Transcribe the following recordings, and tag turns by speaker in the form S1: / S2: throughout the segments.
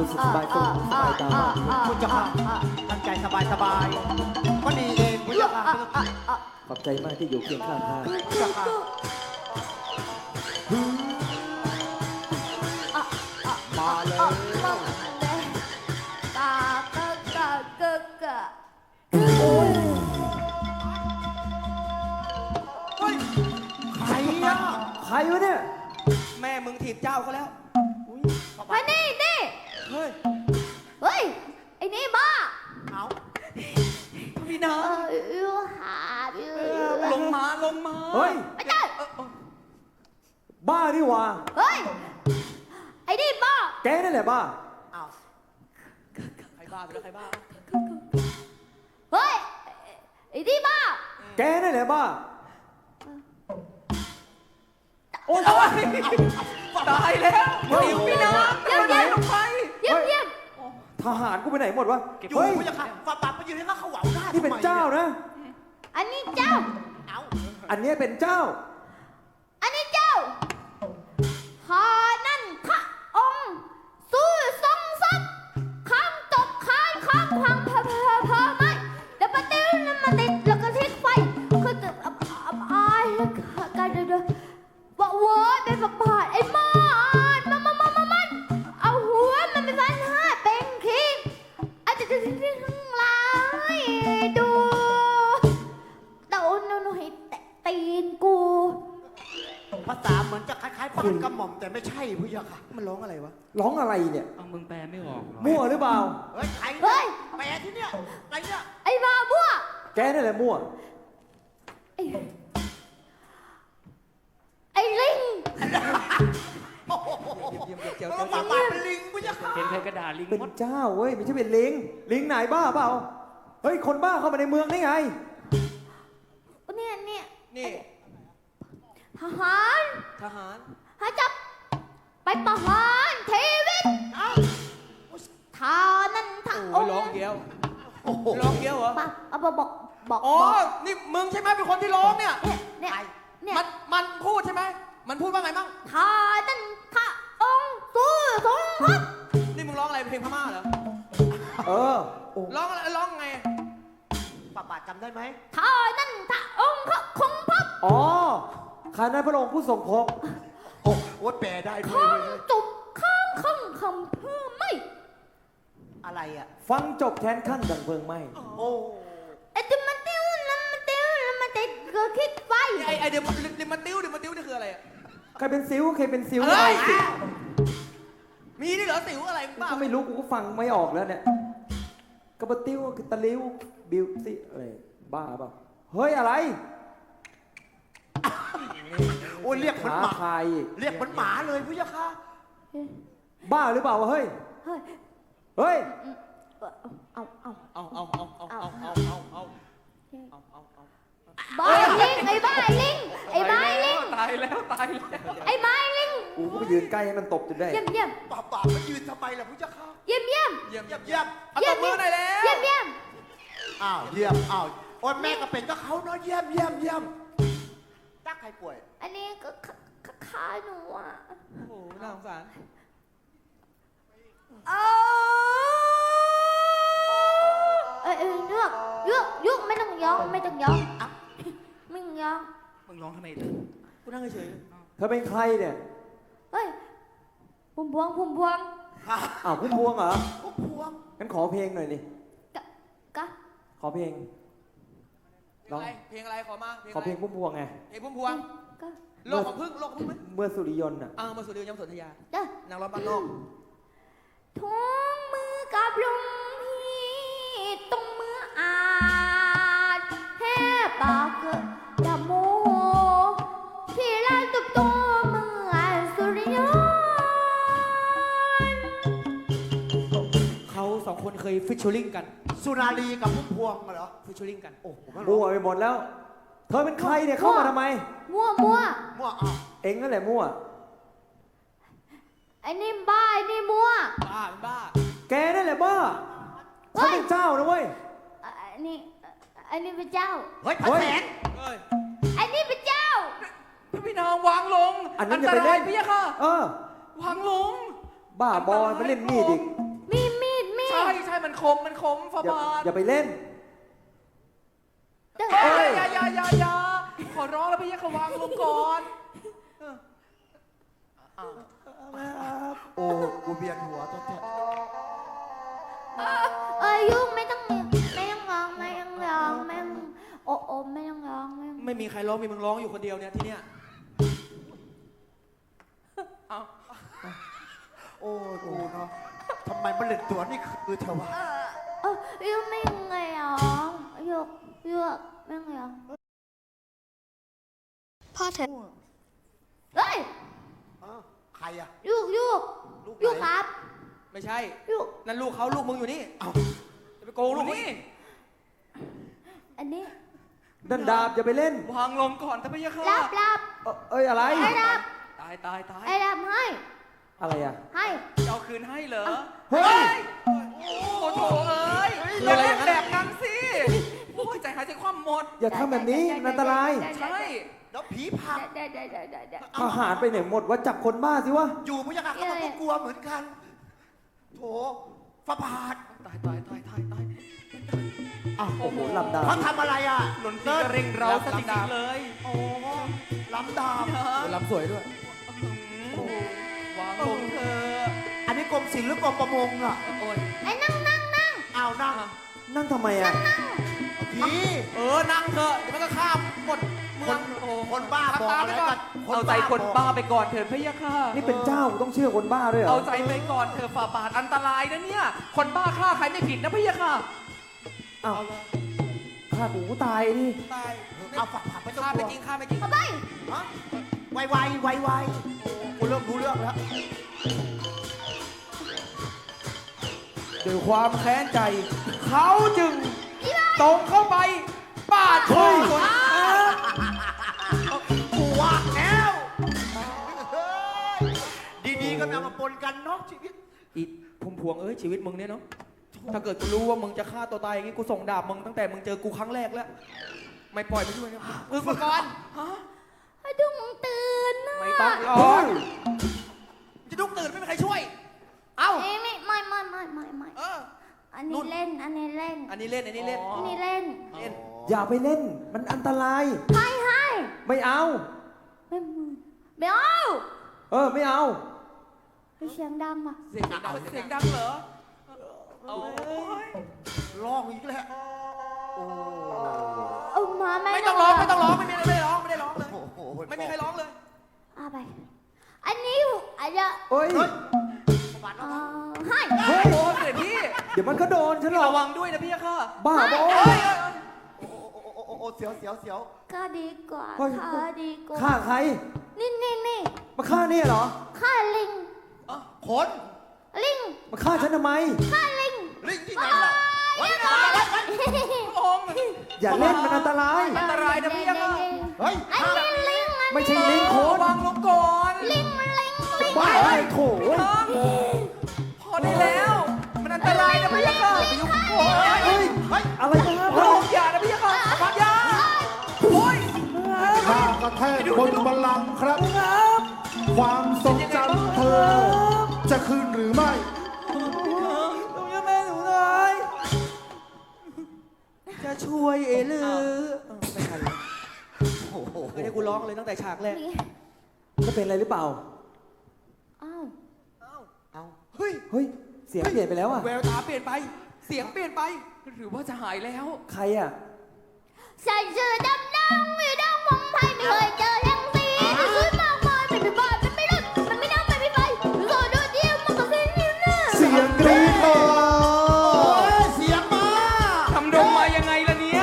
S1: สึกสบายตัวสบายตามากขึ้น
S2: คุณเจ้าค่ะตั้งใจสบายก็ดีเองคุณเจ้าค่ะ
S1: ขอบใจมากที่อยู่เคียงข้างข้า
S2: คุณเจ้าค่ะมาเลย เฮ้ยใครอ่ะ
S1: ใครวะเนี่ย
S3: แม่มึงถีบเจ้าเขาแล้ว
S4: มานี่
S3: เฮ้ย
S4: เฮ้ย ไอ้นี่บ้า
S2: เอา
S3: พี่น้อง
S4: หา
S3: ลงมาลงมา
S1: เฮ้ย
S4: ไม่ใช่
S1: บ้านี่หว่า
S4: เฮ้ย ไอ้นี่บ้า
S1: แกนั่นแหละบ้า
S2: เอา
S3: ใครบ้าไปแล้วใครบ้า
S4: เฮ้ย ไอ้นี่บ้า
S1: แกนั่นแหละบ้า
S3: โอ้ยตายแล้วเดี๋ยวพี่น้อง
S4: เดี๋ยว
S3: ไหนลงไป
S4: เยี่ยมเยี่ยม
S1: ทหารกูไปไหนหมดวะ
S2: อยู่
S1: เฮ้ย
S2: คุณเจ้าค่ะฝาบาทมายืนให้เขาเหวาได้
S1: นี่เป็นเจ้านะ
S4: อันนี้เจ้า
S2: เอา
S1: อันเนี้ยเป็นเจ้า
S4: อันนี้เจ้าหานั่นพระองค์สู้ทรงทรัพย์ข้ามตกคานข้ามพังเพอไม่เดี๋ยวปะติ้วนั่นมาติดแล้วก็ทิ้งไฟคือจะอายกันเด้อว่าโว้ยเป็นประบาดไอ้มันเอาหัวมันไปฟันห้าเป็นคิงอาจจะทิ้งข้างหลังดูเต่าหนูให้แตะตีนกู
S2: ภาษาเหมือนจะคล้ายๆป้อนกระหม่อมแต่ไม่ใช่คุณเจ้าค่ะ
S3: มันร้องอะไรวะ
S1: ร้องอะไรเนี่ย
S3: เอามึงแปลไม่ออก
S1: มั่วหรือเปล่า
S2: เฮ้ยใคร
S4: เฮ้ย
S2: แปลที่เนี่ยอะไรเนี่ย
S4: ไอ้บ้าบัว
S1: แกนั่นแหละมั่ว
S4: ไอ้ลิง
S3: เยี่ยมเจียว
S2: แล้วฝาบาทเป็นลิงคุณเจ้าค่ะ
S3: เห็นใครกระดาษลิง
S1: เป็น
S3: มด
S1: เจ้าเว้ยไม่ใช่เป็นลิง ลิงไหนบ้าเปล่า เฮ้ยคนบ้าเข้ามาในเมืองได้ไง
S4: เนี่ย
S3: นี่
S4: ทหาร
S3: ทหาร
S4: หาจับ ไปประหารชีวิต
S2: เอ้า
S4: ทานั่นทา
S3: โอ้ยร้องเกี้ยวร้องเกี้ยวเหรอ
S4: ปะเอาบอก
S3: อ๋อ นี่มึงใช่ไหมเป็นคนที่ร้องเนี่ย
S4: เนี่ย
S3: มันพูดใช่ไหม มันพูดว่าไงบ้าง
S4: ทานั่นทาองค์สู้ทรงพระ
S3: นี่มึงร้องอะไรเพลงพม่าเหรอ
S1: เออโอ้
S3: ร้องอะไรร้องไง
S2: ฝาบาทจำได้ไหม
S4: ทานั่นทาองค์พระคงพระ
S1: อ๋อข้านั้นพระองค์ผู้ทรงพก
S2: โอ้โหแปลได้ด้ว
S4: ข้าย ง
S2: เว้ย
S4: จุบข้างคำเพื่อไม่
S2: อะไรอ่ะ
S1: ฟังจบแค้นขั้นดังเพลิงไหม
S2: โอ้
S4: ไอ้ที่มันติ้วนั่นมันติ้วมันติดก็คิดไฟ
S3: ไอเดี๋ยวมาติ้วนี่คืออะไรอะ
S1: ใครเป็นซิวใครเป็นซิว
S3: เฮ้ย
S1: สิ
S3: มีนี่เหรอสิวอะไร
S1: กู
S3: บ้า
S1: ก็ไม่รู้กูก็ฟังไม่ออกแล้วเนี่ยกระบะติ้วกระตะลิ้วบิวสิอะไรบ้าเปล่าเฮ้ยอะไร
S2: โอ้ยเรียกเหมือน
S1: ท้า
S2: หมา
S1: ทายอีก
S2: เรียกเหมือนหมาเลยคุณเจ้าค่ะ
S1: บ้าหรือเปล่าวะเฮ้ย
S4: เฮ้ย
S1: เฮ้ย
S4: เอา บ้าลิงไอ้บ้าลิงไอ้บ้าลิง
S3: ตายแล้ว
S4: ไอ้บ้าลิง
S1: กูก็ไปยืนใกล้ให้มันตบจนได้
S4: เยี่ยมเยี่ยม
S2: ฝาบาทมายืนทำไมล่ะคุณเจ้าค่ะ
S4: เยี่ยมเยี่ยม
S3: เยี่ยม
S2: เยี่ยมเยี่ยม
S3: เอาตบมือหน่อยแล้ว
S4: เยี่ยมเยี่ยม
S2: อ้าวเยี่ยมอ้าวโอ้ยแม่ก็เป็นก็เขาเนาะเยี่ยมเยี่ยมเยี่ยมตักใครป่วย
S4: อันนี้ก็ขาหนูอ่ะ
S3: โอ้โหน่าสงสาร
S4: ยุกไม่ต้องยอมไม่ต้องยอมไม่ต้องยอม
S3: มึงร้องทำไมเลยกูนั่งเฉย
S1: เธอเป็นใครเนี่ย
S4: เฮ้ยพุ่มพวง
S1: อ้าวพุ่มพวงเหรอ
S2: พวกพวง
S1: งั้นขอเพลงหน่อยดิ
S4: กะ
S1: ขอเพลง
S3: เพลงอะไรเพลงอะไรขอมา
S1: ขอเพลงพุ่มพวงไง
S3: เพลงพุ่มพวง
S4: กะ
S3: โลกของพึ่งไหม
S1: เมื่อสุริยนต์อ่ะ
S3: มาสู่เดียวยำสนธยา
S4: เด้อน
S3: างร้องบ้านนอก
S4: ทุ่งมือกับลมพี่ตรงมืออาจแห่ปากเกดดะโมที่ลานตุบตัวเมื่อสุริยนต์
S3: เขาสองคนเคยฟิชเชอร์ลิงกัน
S2: สุนารีกับพุ่มพวงเหรอ
S3: ฟิชเชอร์ลิงกัน
S2: โอ้ผมไม่
S1: มั่
S2: รู้
S1: วไปหมดแล้ว เธอเป็นใครเนี่ยเข้ามาทำไม
S4: มั่ว
S2: มั่วอ้าว
S1: เอ็งนั่นแหละมั่ว
S4: ไอ้นี่บ้าไอ้นี่มั่ว
S3: บ้าเป็นบ้า
S1: แกนั่นแหละบ้า
S4: เฮ้
S1: ฉัน
S4: ย
S1: เป็นเจ้านะเว้ย
S4: อันนี้เป็นเจ้า
S2: เฮ้ยพระแสง
S3: เฮ้ย
S4: ไอ้นี่เป็นเจ้า
S3: พี่น้องวางลง
S1: อันนั้นอย่าไปเล่น
S3: พี่ยะค่ะ
S1: เออ
S3: วางลง
S1: บ้าบอลไปเล่นมีดอีก
S3: มันขมฝา
S1: อย่า
S3: บาท
S1: อย่าไปเล่น
S3: เอ้ยอย่าขอร้องแล้วพี่ยักษ์วางลงก่อน
S2: โอ้กูเบียนหัวตัวแท้
S4: ยุ่งไม่ต้องร้องไม่ต้องร้องไม่ต้องโอ้ไม่ต้องร้องไม่ต้อง
S3: ไม่มีใครร้องมีมึงร้องอยู่คนเดียวเนี่ยที่เนี้ยเอา
S2: โอ้กูเนาะทำไมมันเล่นตัวนี่คือเธอวะ
S4: ยุ่งไม่ต้องร้องยุกไม่ต้องร้องพ่อเธอเฮ้ย
S2: อ้าวใครอะ
S4: ยุก
S2: ลูกไหน
S4: ยุกครับ
S3: ไม่ใช่
S4: ยุก
S3: นั่นลูกเขาลูกมึงอยู่นี่
S2: เอ้า
S3: จะไปโกงลูกนี่
S4: อันนี้
S1: ดันดาบอย่าไปเล่น
S3: วางลงก่อนถ้าพี่ยักษ์
S4: รับ
S1: เอ้ยอะไร
S4: ไอ้รับ
S3: ตาย
S4: ไอ้รับให้
S1: อะไรอ่ะ
S4: ให้
S3: จะเอาคืนให้เหรอ
S1: เฮ้ย
S3: โอ้โถเอ้ยอย่าเล่นแบบนั้นสิโอ้ยใจหายใจคว่ำหมด
S1: อย่าทำแบบนี้มันอันตราย
S3: ใช่
S2: แล้วผีผัก
S4: ได้
S1: ทหารไปไหนหมดว่าจับคนบ้าสิวะ
S2: อยู่พยากาศเขาก็กลัวเหมือนกันโถฝาบาท
S3: ตาย
S2: อ้าว
S1: โอ้โหลำดาบ
S2: เขาทำอะไรอ่ะ
S3: หล่นตีกระเร่งเราซะจริงๆเลย
S2: โอ้ลำดาบ
S1: ลำสวยด้วย
S3: วางลงเธอ
S2: อันนี้กรมศิลป์หรือกรมประมงอ่ะ
S3: โอ้ย
S4: ไอ้นั่ง
S2: อ้าวนั่ง
S1: นั่งทำไมอ่ะ
S2: พี่
S3: นั่งเถอะเดี๋ยวมันก็ข้ามหมดเมืองโอ้
S2: คนบ้าบอกอะไรกัน
S3: เอาใจคนบ้าไปก่อนเถิดพะยะค่ะ
S1: นี่เป็นเจ้าต้องเชื่อคนบ้าด้วยเหรอ
S3: เอาใจไปก่อนเถอะฝ่าบาทอันตรายนะเนี่ย คนบ้าฆ่าใครไม่ผิดนะพะยะค่ะ
S1: อ้าวฆ่ากูตายดิ
S3: ตาย
S2: เอาฝาบาทไม่ต้อง
S3: ฆ่าก
S2: ลั
S3: ไม่
S2: ว
S3: จริงฆ่าไม่จริง
S4: เอาไป
S2: ฮะไวกูเริ่มรู้เรื่องแล้ว
S3: ด้วยความแค้นใจ เขาจึงตรงเข้าไปปาดคอคน
S2: กูว่าแล้วดีๆก็เอามาปนกันเนาะชีวิต
S3: อีพุ่มพวงเอ้ยชีวิตมึงเนี่ยเนาะถ้าเกิดกูรู้ว่ามึงจะฆ่าตัวตายอย่างงี้กูส่งดาบมึงตั้งแต่มึงเจอกูครั้งแรกแล้วไม่ปล่อยไปด้วยนะฝึกก่อนฮะ
S4: ให้ดุ้งตื่นนะ
S3: ไม่ต้องร้อ
S1: เฮ้
S3: ง
S1: ย
S3: จะดุ้งตื่นไม่มีใครช่วย เอ้า
S4: ไม่
S3: เออ
S4: อันนี้เล่น
S3: อันนี้เล่น
S4: อันนี้เล่น
S3: เล่น
S1: อย่าไปเล่น มันอันตราย
S4: ให้
S1: ไม่เอา
S4: ไม่เอา
S1: ไม่เอา
S4: เสียงดังว่ะ
S3: เสียงดังเหรอโอ้ย
S2: ร้องอีกแล้วโอ้
S4: เอามาไม่
S3: ไม่ต้องร้องไม่ต้องร้องไม่ได้ร้องเลย
S2: โห
S3: ไม่มีใครร้องเลย
S4: เอาไป อันนี้อาจจะ
S1: เฮ้ย
S2: เฮ้ย
S4: ให้
S1: เฮ้ย
S3: โอ้เสด็จพี่
S1: เดี๋ยวมันก็โดนฉันหรอก
S3: ระวังด้วยนะพี่ค่ะ
S1: บ้าบอ
S2: โอ้เสียว
S4: ก็ดีกว่า
S1: เฮ้ย
S4: ข้าดีกว่า
S1: ฆ่าใคร
S4: นี่
S1: มาฆ่าเนี่ยเหรอ
S4: ข้าลิง
S2: คน
S4: ลิง
S1: มาฆ่าฉันทำไม
S4: ข้าลิง
S2: ลิงที่ไหนล่ะเฮ้ย
S3: องค์
S1: อย่าเล่นมันอันตราย
S3: อันตรายนะพี่ค่ะ
S2: เฮ้ย
S4: อันนี้ลิง
S1: ไม่ใช่ลิงโค
S3: ระ
S1: น
S3: วังลงก่อน
S4: ลิง
S1: บ้าไอ้โถ
S3: พอได้แล้ว มันอันตรายนะพี่ค่ะไปยุ่งโอ้ย
S1: เฮ้ย
S2: เฮ้ย
S1: อะไรกัน
S3: ระวังอย่านะพี่ค่ะระวังอย่าโอ้ย
S5: ข้ากระแทกบนบัลลังก์ครับ ความทรงจำเธอ จะคืนหรือไม่
S1: หนูยังแม่หนูเลยจะช่วยเอลือไม่ทันแล้ว
S2: โอ้โห
S3: ไม่ได้กูร้องเลยตั้งแต่ฉากแรก
S1: จะเป็นอะไรหรือเปล่า
S4: อ้าว
S2: เอา
S3: เฮ้ย
S1: เฮ้ย เสียงเปลี่ยนไปแล้วอ่ะ
S3: แววตาเปลี่ยนไป เสียงเปลี่ยนไป หรือว่าจะหายแล้ว
S1: ใครอ่ะ
S4: ใส่เสื้อดำอยู่ดังผมไทยไม่เคยเจอทั้งสีสวยมากมายไม่บอดไม่รุ่นมันไม่นั่งไม่ไฟโซโดเดียวมันก็เส้นนิ้วหน้า
S5: เสียงกรี๊ดมา
S2: เสียงมา
S3: ทำดงมายังไงล่ะเนี่ย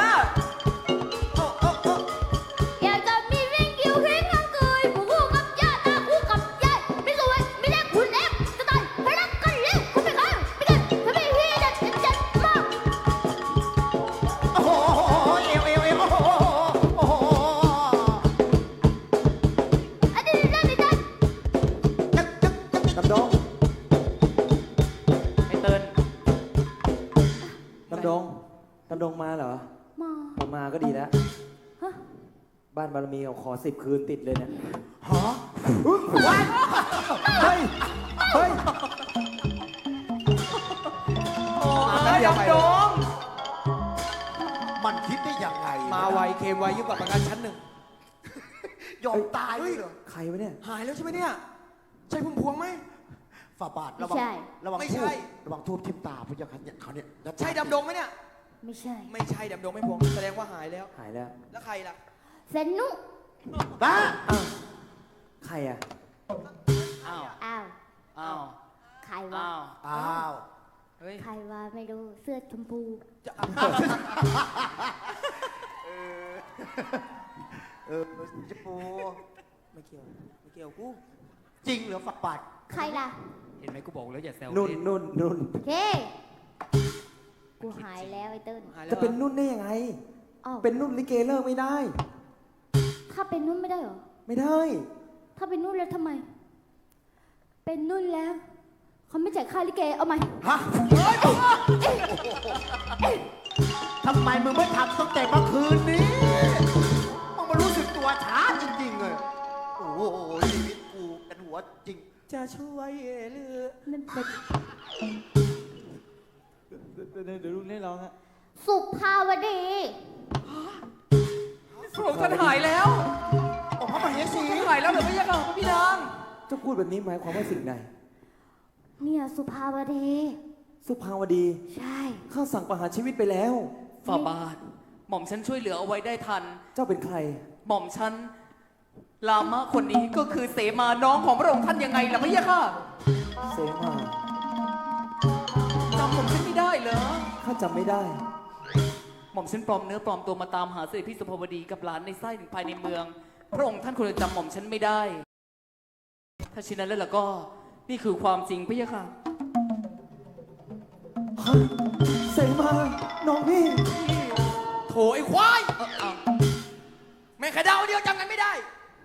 S4: อยากจะมีเรื่องเกี่ยวเข่งกันเกยผู้คู่กับญาติคู่กับญาติไม่สวยไม่ได้คุณเอฟจะตายไปรักกันเร็วคุณไม่เข้าไม่กันถ้าไม่พี่จะมาก
S2: โอ้โหเอวโอ้โห
S4: อันนี้ได้
S1: ดำดง
S3: ไอ้เติ้ล
S1: ดำดง ดำดงมาเหรอ
S4: มา
S1: ผมมาก็ดีแล้ว
S4: ฮะ
S1: บ้านบารมีเอาขอ10 คืนติดเลยเนี่ย
S2: ฮะ
S1: เฮ้ย เฮ้ย
S3: อย่ามไว้ยิ่งกว่าประกันชั้นหนึ่ง
S2: ยอมตายเลยเหรอ
S1: ใครวะเนี่ย
S3: หายแล้วใช่ไหมเนี่ย ใช่พุ่มพวงไหม
S2: ฝ่าบาท
S4: ไม่
S2: ระวัง
S4: ใช่
S2: ระวัง
S3: ไม่
S2: ทู
S3: ใช่
S2: บระวังทูบทิ่มตาพระเจ้าค่ะเนี่ยเขาเนี่ย
S3: ใช่ดำดงไหมเนี่ย
S4: ไม่ใช่
S3: ไม่ใช่ดำดงไม่พวง แสดงว่าหายแล้ว
S1: หายแล้ว
S3: แล้วใครล่ะ
S4: เซนนุ
S2: บ้า
S1: อ้าว ใครอ่ะ
S3: อ้าว
S4: อ้าว
S3: อ้าว
S4: ใครวะ
S3: อ้าว
S2: อ้าว
S3: เฮ้ย
S4: ใครวะไม่รู้เสื้อชมพู
S3: จะ
S2: จะปู
S3: ไม่เกี่ยว ไม่เกี่ยวกู
S2: จริงเหรอฝ่าบาท
S4: ใครล่ะ
S3: เห็นไหมกูบอกแล้วอย่าแซว
S1: นุ่น
S3: เล่
S1: นุ่นนุ่น
S4: เคกูหายแล้วไอ้เติ้ล
S3: หายแล้ว
S1: จะเป็นนุ่นได้ยังไง
S4: อ้าว
S1: เป็นนุ่นลิเกเลิกไม่ได้
S4: ถ้าเป็นนุ่นไม่ได้เหรอ
S1: ไม่ได้
S4: ถ้าเป็นนุ่นแล้วทำไม เป็นนุ่นแล้ว เขาไม่จ่ายค่าลิเก เอาไหม
S2: ฮะทำไมมึงไม่ทำตั้งแต่เมื่อคืนนี้มึงมารู้สึกตัวช้าจริงๆเลยโอ้โหชีวิตกูเป็นหัวจริง
S3: จะช่วยหรือ
S4: นั่นเป็น
S1: เดี๋ยวลุงได้ร้องฮะ
S4: สุภาวดี
S3: พระองค์ท่านหายแล้ว
S2: โอ้พระมเหสี
S3: ท่านหายแล้วเหรือไม่ใช่เหรอพระพี่นาง
S1: เจะพูดแบบนี้หมายความว่าสิ่งใด
S4: เนี่ยสุภาวดี
S1: สุภาวดี
S4: ใช่
S1: ข้าสั่งประหารชีวิตไปแล้ว
S6: ฝ่าบาท หม่อมฉันช่วยเหลือเอาไว้ได้ทัน
S1: เจ้าเป็นใคร
S6: หม่อมฉันลามะคนนี้ก็คือเสมาน้องของพระองค์ท่านยังไงล่ะพะยะค่ะ
S1: เสมา
S6: จำหม่อมฉันไม่ได้เหรอ
S1: ข้าจำไม่ได้
S6: หม่อมฉันปลอมเนื้อปลอมตัวมาตามหาเสด็จพี่สุภาวดีกับหลานในไส้ถึงภายในเมือง พระองค์ท่านคงจะจำหม่อมฉันไม่ได้ ถ้าเช่นนั้นแล้วล่ะก็ นี่คือความจริงพะยะค่ะ
S1: ฮะ เสมา น้องพี่
S3: โถไอ้ควายแม่งแค่ดาวเดียวจำกันไม่ได้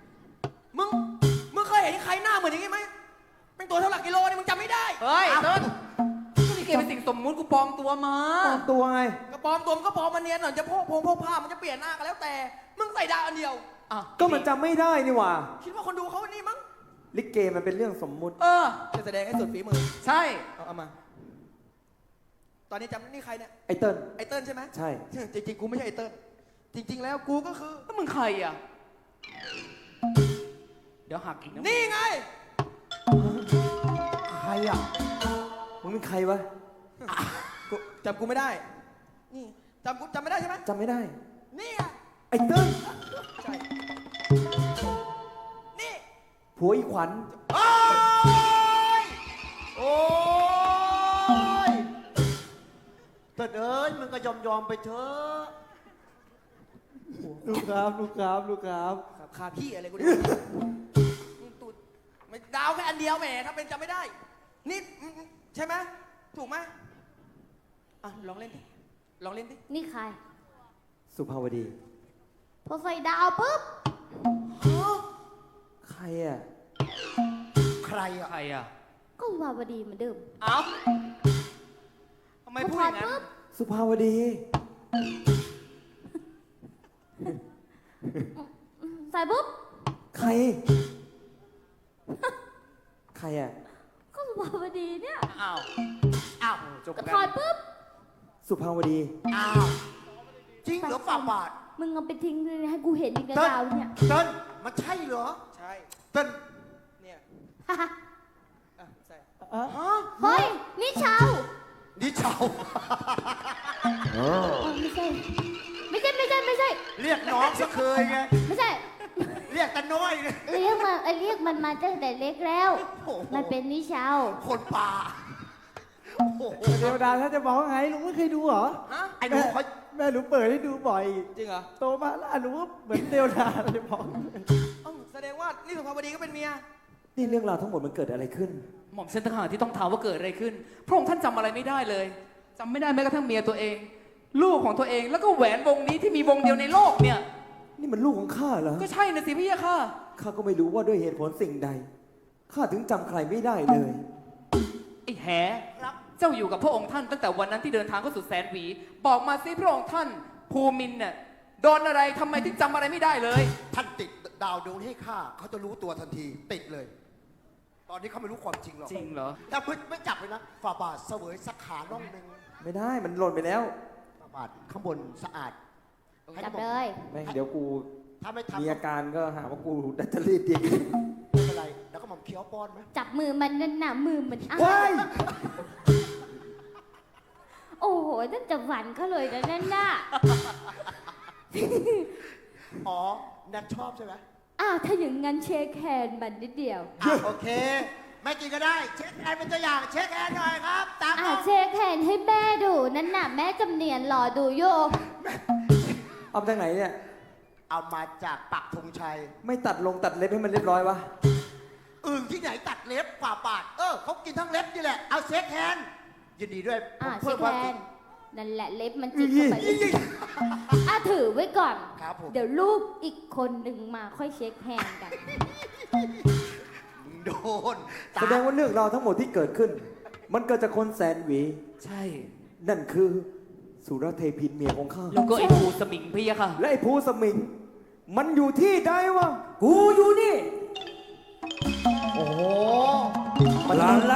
S3: มึงเคยเห็นใครหน้าเหมือนอย่างงี้ไหมเป็นตัวเท่าหลักกิโลนี่มึงจำไม่ได้
S6: เฮ้ยเติ้ลก็นี่เกเป็นสิ่งสมมุติกูปลอมตัวมา
S1: ปลอมตัวไง
S3: กระปอมตัวมันก็ปลอมมันเนียนหน่อยจะพกผ้ามันจะเปลี่ยนหน้ากันแล้วแต่ มึงใส่ดาวอันเดียว
S6: อ่ะ
S1: ก็มันจำไม่ได้นี่หว่า
S3: คิดว่าคนดูเขานี่มั้ง
S1: ลิเกมันเป็นเรื่องสมมุติ
S6: เออ
S3: จะแสดงให้สุดฝีมือ
S6: ใช่
S3: เอามา ตอนนี้จำนี่ใครเนี่ย
S1: ไอ้เติ้ล
S3: ไอเติ้ลใช่ไหม
S1: ใช่
S3: จริงๆกูไม่ใช่ไอเติ้ลจริง ๆ แล้วกูก็คือ
S6: แล้วมึงใครอ่ะ เดี๋ยวหักอีกนะ
S3: นี่ไง
S2: ใครอ่ะ
S1: มึงเป็นใครวะ
S3: กูจำกูไม่ได้ นี่จำไม่ได้ใช่ไหม
S1: จำไม่ได้
S3: นี่ไง
S1: ไอ้เติ้ล
S3: ใช่ นี่
S1: ผัวอีขวัญ
S2: โอ้ย โอ้ยแต่เอ้ยมึงก็ยอมไปเถอะ
S1: ลูกครับลูกครับลูกครับ
S3: ครับคาพี่อะไรกูเนี่ยตูดไม่ดาวแค่อันเดียวแหมถ้าเป็นจำไม่ได้ นี่ใช่ไหมถูกไหมอ่ะลองเล่นดิลองเล่นดิ
S4: นี่ใคร
S1: สุภาวดี
S4: พอใส่ดาวปุ๊บ
S1: ใครอ่ะ
S2: ใครอ่ะ
S6: ใครอ่ะ
S4: ก็สุภาวดีเหมือนเดิม
S6: เอ้าทำไม
S4: พอ
S6: พูด
S4: ถ
S6: อ
S4: อด
S6: ย่างนั้น
S4: ปุ๊บ
S1: สุภาวดี
S4: ใส่ปุ๊บ
S1: ใคร ใครอ่ะ
S4: ก็สุภาวดีเนี่ย
S6: อ้าว
S2: อ้าว
S6: จบ
S4: ก็
S6: กั
S4: ถอด
S6: น
S4: ปุ๊บ
S1: สุภาวดี
S2: อ้าวจริงเหรอฝ่าบาท
S4: มึงเอาไปทิ้งเลยให้กูเห็นอีกแล้ว
S2: เติ้ล
S4: ดาวเนี่ย
S2: เติ้ลมันใช่เหรอ
S3: ใช่
S2: เติ้ล
S3: เนี่ย
S4: ฮ่าฮ่า
S3: อ่ะใส่
S4: เฮ้ย นี่ชาว
S2: นี่เจ้า
S4: อ๋อไม่ใช่ ไม่ใช่ ไม่ใช่ ไม่ใช่
S2: เรียกน้องซะเคยไง
S4: ไม่ใช่
S2: เรียกแต่น้อยไง
S4: เรียกมันมาตั้งแต่เล็กแล้ว
S2: โอ้โห
S4: มันเป็นนิชาว
S2: คนป่า โอ้โห
S7: เทวดาถ้าจะบอกว่าไงลุงไม่เคยดูเหรอ
S3: ฮะ
S2: ไอ้หนูเขา
S7: แม่หนูเปิดให้ดูบ่อย
S3: จริงเหรอ
S7: โตมาแล้วหนูก็เหมือนเทวดาเลยบอก
S3: เอ้าแสดงว่านี่สุภาวดีก็เป็นเมีย
S1: นี่เรื่องราวทั้งหมดมันเกิดอะไรขึ้น
S6: หม่อมเส้นทหารที่ต้องถามว่าเกิดอะไรขึ้น พระองค์ท่านจำอะไรไม่ได้เลยจำไม่ได้แม้กระทั่งเมียตัวเอง ลูกของตัวเองแล้วก็แหวนวงนี้ที่มีวงเดียวในโลกเนี่ย
S1: นี่มันลูกของข้าเหรอ
S6: ก็ใช่นะสิพี่ยะค่ะ
S1: ข้าก็ไม่รู้ว่าด้วยเหตุผลสิ่งใด ข้าถึงจำใครไม่ได้เลย
S6: ไอ้แหเจ้าอยู่กับพระองค์ท่านตั้งแต่วันนั้นที่เดินทางเข้าสู่แสนหวี บอกมาสิพระองค์ท่านภูมินทร์เนี่ยโดนอะไรทำไมถึงจำอะไรไม่ได้เลย
S2: ท่านติดดาวดวงให้ข้าเขาจะรู้ตัวทันที ติดเลย ตอนนี้เขาไม่รู้ความจริงหรอก
S6: จริงเหรอ
S2: แต่ไม่จับเลยนะฝ่าบาทเสวยสักขาน่องหนึ่ง
S1: ไม่ได้มันหล่นไปแล้ว
S2: ฝ่าบาทข้างบนสะอาด
S4: จับเลย
S1: แม่งเดี๋ยวกู
S2: ถ้าไม่ทำ
S1: มี
S2: ไม่
S1: อาการก็หาว่ากูดัตเตอรี่ดี
S2: เป็นไร แล้วก็หม่อมเคี้ยวป้อนไหม
S4: จับมือมันนั่นน่ะมือมันอ้า
S1: ว้าย
S4: โอ้โหนั่นจะหวานเขาเลยนะนั่นน่ะ
S2: อ๋อแนทชอบใช่ไหม
S4: อ้าวถ้าอย่างงั้นเช็คแฮนด์มันนิดเดียว
S2: โอเค ไม่กินก็ได้ เช็คแอนเป็นตัวอย่าง เช็คแอนหน่อยครับ ตาม
S4: เช็คแฮนด์ให้แม่ดูนั่นน่ะแม่จำเนียนรอดูอยู่
S1: เอาจากไหนเนี่ย
S2: เอามาจากปักธงชัย
S1: ไม่ตัดลงตัดเล็บให้มันเรียบร้อยวะ
S2: อึ่งที่ไหนตัดเล็บกว่าบาท เขากินทั้งเล็บนี่แหละ เอาเช็คแฮนด์ยินดีด้วยผม
S4: เช็
S2: เพิ่
S4: ค
S2: ม
S4: แฮ
S2: ความ
S4: นด์นั่นแหละเล็บมันจิกเข้าไปถือไว้ก่อน
S2: ครับผม
S4: เดี๋ยวลูกอีกคนหนึ่งมาค่อยเช็คแฮนด์กัน
S2: โดน
S1: แสดงว่าเรื่องราวทั้งหมดที่เกิดขึ้น มันเกิดจากคนแสนหวี
S6: ใช่
S1: นั่นคือสุรเทพินเมียของข้า
S6: แล้วก็ไอ้ภูสมิงพี่ค่ะ
S1: และไอ้ภูสมิง มันอยู่ที่ใดวะ กูอยู่นี่
S5: โอ้โห
S1: มัน
S5: ลาล